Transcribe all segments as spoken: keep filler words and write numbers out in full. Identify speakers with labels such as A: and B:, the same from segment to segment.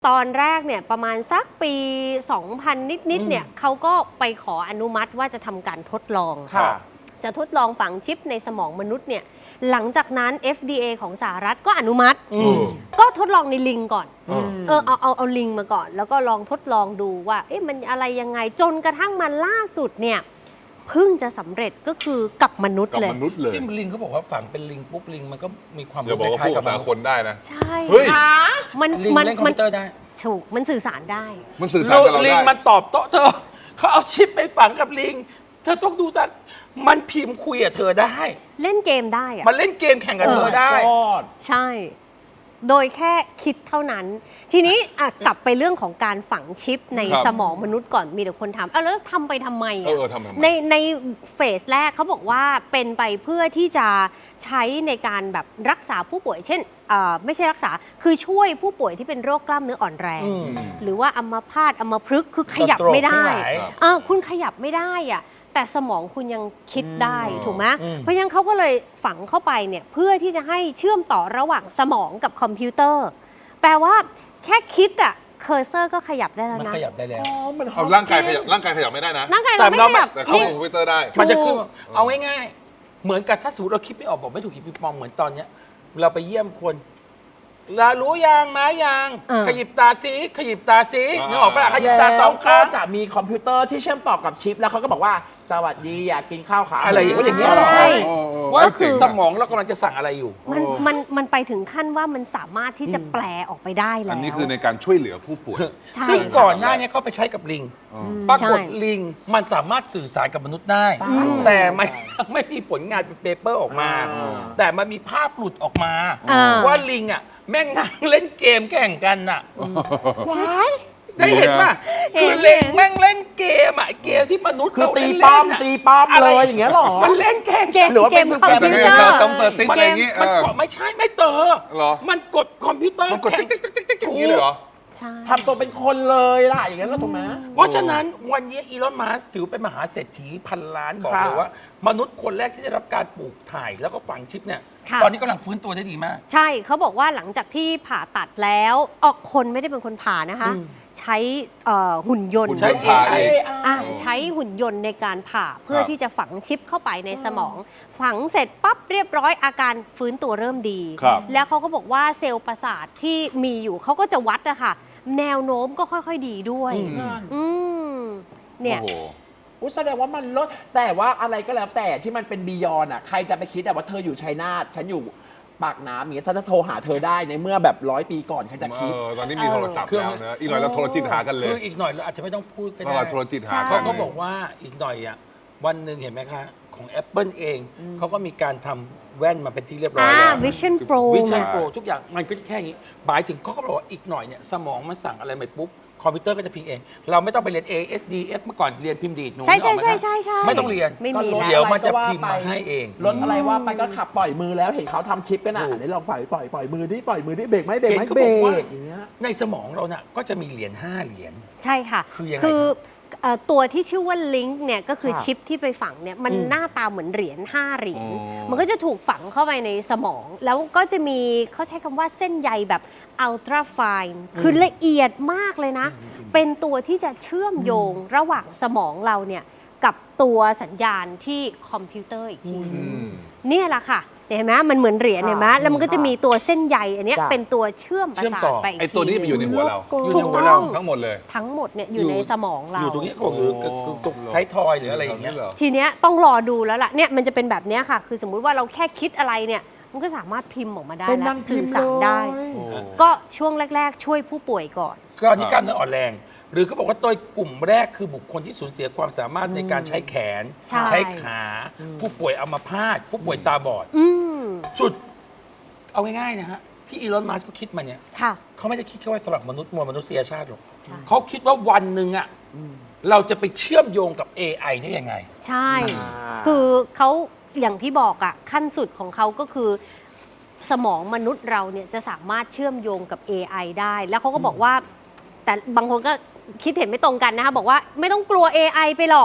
A: ตอนแรกเนี่ยประมาณสักปี สองพัน นิดๆเนี่ยเขาก็ไปขออนุมัติว่าจะทำการทดลองจะทดลองฝังชิปในสมองมนุษย์เนี่ยหลังจากนั้น เอฟ ดี เอ ของสหรัฐก็อนุมัติก็ทดลองในลิงก่อนเออเอาเอาเอาลิงมาก่อนแล้วก็ลองทดลองดูว่าเอ๊ะมันอะไรยังไงจนกระทั่งมันล่าสุดเนี่ยเพิ่งจะสำเร็จก็คือกับมนุษย์เลย
B: ที่ลิงเขาบอกว่าฝังเป็นลิงปุ๊บลิงมันก็มีความ
C: รู้คล้ายๆกับคนได้นะ
A: ใช่
C: เฮ้ย
A: มัน
B: ลิงเล่นคอมพิวเตอร์ได้
A: ถูกมันสื่อสารได้
C: มันสื่อสารกับเราได้
B: ลิงมันตอบโต้เธอเขาเอาชิปไปฝังกับลิงเธอต้องดูสักมันพิมพ์คุยกับเธอได้
A: เล่นเกมได้อะ
B: มันเล่นเกมแข่งกับเธอได้
A: ใช่โดยแค่คิดเท่านั้นทีนี้กลับไปเรื่องของการฝังชิปในสมองมนุษย์ก่อนมีแต่คนถามอ้าวแล้วทำไปทำไมอ่ะในในเฟสแรกเขาบอกว่าเป็นไปเพื่อที่จะใช้ในการแบบรักษาผู้ป่วยเช่นไม่ใช่รักษาคือช่วยผู้ป่วยที่เป็นโรคกล้ามเนื้ออ่อนแรงหรือว่าอัมพาตอัมพฤกษ์คือขยับไม่ได้คุณขยับไม่ได้อ่ะแต่สมองคุณยังคิดได้ถูกไหมเพราะฉะนั้นเขาก็เลยฝังเข้าไปเนี่ยเพื่อที่จะให้เชื่อมต่อระหว่างสมองกับคอมพิวเตอร์แปลว่าแค่คิดอะเคอร์เซอร์ก็ขยับได้แล้วนะ
B: มันขยับได้แล้ว
C: เอาร่างกายขยับร่างกายขยับไม่ได้นะ
A: ร่างกายเราไม่ขยับ
C: แต่เข้าคอมพิวเตอร์ได้
B: มันจะขึ้นเอาง่ายๆเหมือนกับถ้าสมมติเราคิดไม่ออกบอกไม่ถูกคิดไม่มองเหมือนตอนเนี้ยเราไปเยี่ยมคนลารู้ยังมายังขยิบตาซิขยิบตาซินึกออกปะขยิบตาสองครั้ง
D: จะมีคอมพิวเตอร์ที่เชื่อมต่อกับชิปแล้วเขาก็บอกว่าสวัสดีอยากกินข้าวขา
B: อะไรอย่างเงี้ย
A: ใช่
B: ว่าคือสมองเรากำลังจะสั่งอะไรอยู่
A: มันมันมันไปถึงขั้นว่ามันสามารถที่จะแปลออกไปได้แล้ว
C: อันนี้คือในการช่วยเหลือผู้ป่วย
B: ซึ่งก่อนหน้านี้เขาไปใช้กับลิงปรากฏลิงมันสามารถสื่อสารกับมนุษย์ได้แต่ไม่ไม่มีผลงานเป็นเปเปอร์ออกมาแต่มันมีภาพหลุดออกมาว่าลิงอ่ะแม่งนั่งเล่นเกมแข่งกันน่ะได้เห็นป่ะคือเล่นแม่งเล่นเกมอ่ะเกมที่มนุษย์
D: คือตีป้อมตีป้อมเลยอย่างเงี้ยหรอ
B: มันเล่นแข่ง
A: หรือว่าเป็นคอมพิวเตอร์
C: ต้องเปิดติ๊กอะไรอย่างงี้
B: มันไม่ใช่ไม่เตอมันกดคอมพิวเตอร์
C: มันกดติ๊กติ๊กติ๊กติ๊กอย่างนี้เลยเหรอ
D: ทำตัวเป็นคนเลยล่ะอย่างเงี้ยแล้วถูกไหม
B: เพราะฉะนั้นวันนี้อีลอนมัสก์ถือเป็นมหาเศรษฐีพันล้านบอกเลยว่ามนุษย์คนแรกที่ได้รับการปลูกถ่ายแล้วก็ฝังชิปเนี่ยตอนนี้กำลังฟื้นตัวได้ดีมาก
A: ใช่เขาบอกว่าหลังจากที่ผ่าตัดแล้วออกคนไม่ได้เป็นคนผ่านะคะใช้หุ่นยนต์
B: ใช้
A: ใช้หุ่นยนต์ในการผ่าเพื่อที่จะฝังชิปเข้าไปในสมองฝังเสร็จปั๊บเรียบร้อยอาการฟื้นตัวเริ่มดีแล้วเขาก็บอกว่าเซลล์ประสาทที่มีอยู่เขาก็จะวัดอะค่ะแนวโน้มก็ค่อยๆดีด้วยอืมเนี่ย
D: อุ้ยแสดงว่ามันลดแต่ว่าอะไรก็แล้วแต่ที่มันเป็นบียอนอ่ะใครจะไปคิดแต่ว่าเธออยู่ชัยนาทฉันอยู่ปากน้ำอย่างเงี้ยฉันจะโทรหาเธอได้ในเมื่อแบบร้อยปีก่อนใครจะคิด
C: ตอนนี้มีโทรศัพท์แล้วนะอีกหน่อยเราโทรจิตหากันเลย
B: คืออีกหน่อยเราอาจจะไม่ต้องพูดก็ได้
C: โทรจิตหา
B: เขาก็บอกว่าอีกหน่อยอ่ะวันหนึ่งเห็นไหมคะของ Apple เองเขาก็มีการทำแว่นมาเป็นที่เรียบร้อยแล้ว
A: Vision Pro
B: Vision Pro ทุกอย่างมันก็แค่นี้หมายถึงเขาก็บอกว่าอีกหน่อยเนี่ยสมองมันสั่งอะไรไปปุ๊บคอมพิวเตอร์ก็จะพิมพ์เองเราไม่ต้องไปเรียน เอ เอส ดี เอฟ เมื่อก่อนเรียนพิมพ์ดีดหนู
A: ใช่ใช่ใช่ใช่ใช่
B: ไม่ต้องเรียน
A: ไม่มี
B: เดี๋ยวมันจะพิมพ์มาให้เอง
D: รถอะไรว่าไปก็ขับปล่อยมือแล้วเห็นเขาทำคลิปกันอ่ะได้ลองปล่อยปล่อยปล่อยมือดิปล่อยมือดิเบรกไหมเบรกไหมเบรกอย่างเงี้ย
B: ในสมองเราเนี่ยก็จะมีเหรียญห้าเหรียญ
A: ใช่ค่ะ
B: คือยังไง
A: ตัวที่ชื่อว่าลิงก์เนี่ยก็คือชิปที่ไปฝังเนี่ยมันหน้าตาเหมือนเหรียญห้าเหรียญมันก็จะถูกฝังเข้าไปในสมองแล้วก็จะมีเขาใช้คำว่าเส้นใยแบบอัลตราไฟน์คือละเอียดมากเลยนะเป็นตัวที่จะเชื่อมโยงระหว่างสมองเราเนี่ยกับตัวสัญญาณที่คอมพิวเตอร์อีกทีนี่แหละค่ะเห็นไหมมันเหมือนเหรียญเห็นไหมแล้วมันก็จะมีตัวเส้นใยอันนี้เป็นตัวเชื่อมประสาทไป
C: ไอตัวนี้มันอยู่ในหัวเรา
B: อยู่ในหัวเรา
C: ทั้งหมดเลย
A: ทั้งหมดเนี่ยอยู่ในสมองเรา
B: อยู่ตรงนี้ก็คือตรงท้ายทอยหรืออะไรอย่างเงี้ย
A: ทีเนี้ยต้องรอดูแล้วล่ะเนี่ยมันจะเป็นแบบนี้ค่ะคือสมมุติว่าเราแค่คิดอะไรเนี่ยมันก็สามารถพิมพ์ออกมาได้แล้วสื่อสารได้ก็ช่วงแรกๆช่วยผู้ป่วยก่อน
B: ก็อันนี้กล้ามเนื้ออ่อนแรงหรือเขาบอกว่าตัวกลุ่มแรกคือบุคคลที่สูญเสียความสามารถในการใช้แขนใช้ขาผู้ป่วยอัมพาตผู้ป่วยตาบอดจุดเอาง่ายๆนะฮะที่อีลอนมัสก์เขาคิดมาเนี่ยเขาไม่ได้คิดแค่ว่าสำหรับมนุษย์มวลมนุษยชาติหรอกเขาคิดว่าวันหนึ่งอ่ะเราจะไปเชื่อมโยงกับ เอ ไอ ได้ยังไง
A: ใช่คือเขาอย่างที่บอกอ่ะขั้นสุดของเขาก็คือสมองมนุษย์เราเนี่ยจะสามารถเชื่อมโยงกับ เอ ไอ ได้แล้วเขาก็บอกว่าแต่บางคนก็คิดเห็นไม่ตรงกันนะคะบอกว่าไม่ต้องกลัว เอ ไอ ไปหรอก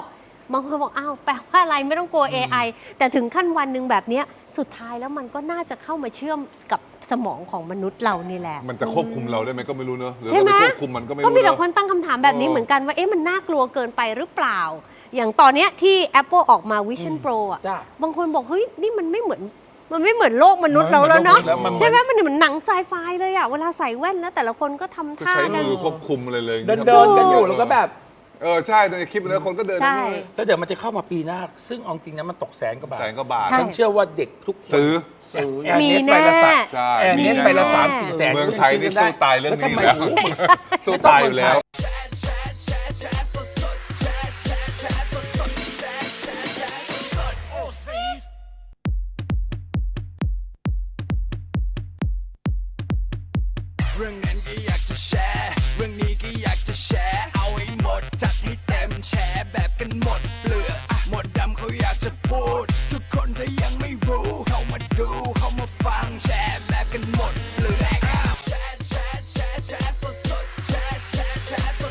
A: บางคนบอกอ้าวแปลว่าอะไรไม่ต้องกลัว เอ ไอ แต่ถึงขั้นวันหนึ่งแบบเนี้ยสุดท้ายแล้วมันก็น่าจะเข้ามาเชื่อมกับสมองของมนุษย์เรานี่แหละ
C: มันจะควบคุมเราได้ไหมก็ไม่รู้เนอะหรือ
A: ใช่ไหม
C: เราไปควบคุมมันก็ไม่
A: ก็
C: รู้
A: มีแต่
C: เนอะ
A: คนตั้งคำถามแบบนี้
C: เออ
A: เหมือนกันว่าเอ๊ะมันน่ากลัวเกินไปหรือเปล่า อย่างตอนเนี้ยที่ Apple ออกมา Vision Pro อ่ะ
D: จ้ะ
A: บางคนบอกเฮ้ยนี่มันไม่เหมือนมันไม่เหมือนโลกมนุษย์เราแล้วเนาะ
B: แล้วมันเหมือน
A: ใช่ไหมมันเหมือนหนังไซไฟเลยอ่ะเวลาใส่แว่นแล้วแต่ละคนก็ทำ
C: ก็
A: ท่า
C: ใช้
A: กัน
C: มือควบคุมอะไรเลย
D: เดินเดินกันอยู่แล้วก็แบบ
C: เออใช่ในคลิปนั้นคนก็เดิน
A: ใช่
B: แล้วเดี๋ยวมันจะเข้ามาปีหน้า ซึ่งเอาจริงนะมันตกแสนกว่าบาท
C: แสนกว่าบาท
A: ใช่
B: ฉันเชื่อว่าเด็กทุกคน
C: ซื้อ
D: ซื้อ
B: แอร์
A: มี
B: เนส
A: แน่
B: ไปละสาม
C: ใช่
B: แอร์เนส
C: มี
B: ไปละ
C: แน่
B: สามสี่แสน
C: เมืองไทยนี่สู้ตายเรื่องนี้อยู่แล้ว
B: ทำไม
C: สู้ตายอยู่แล้ว
E: เรื่องนั้นก็อยากจะแชร์ เรื่องนี้ก็อยากจะแชร์ เอาให้หมดจัดให้เต็มแชร์แบบกันหมดเปลือกอะหมดดำเขาอยากจะพูด ทุกคนถ้ายังไม่รู้ เข้ามาดูเข้ามาฟังแชร์แบบกันหมดเปลือกแชร์แชร์แชร์แชร์สดสดแชร์แชร์แชร์ส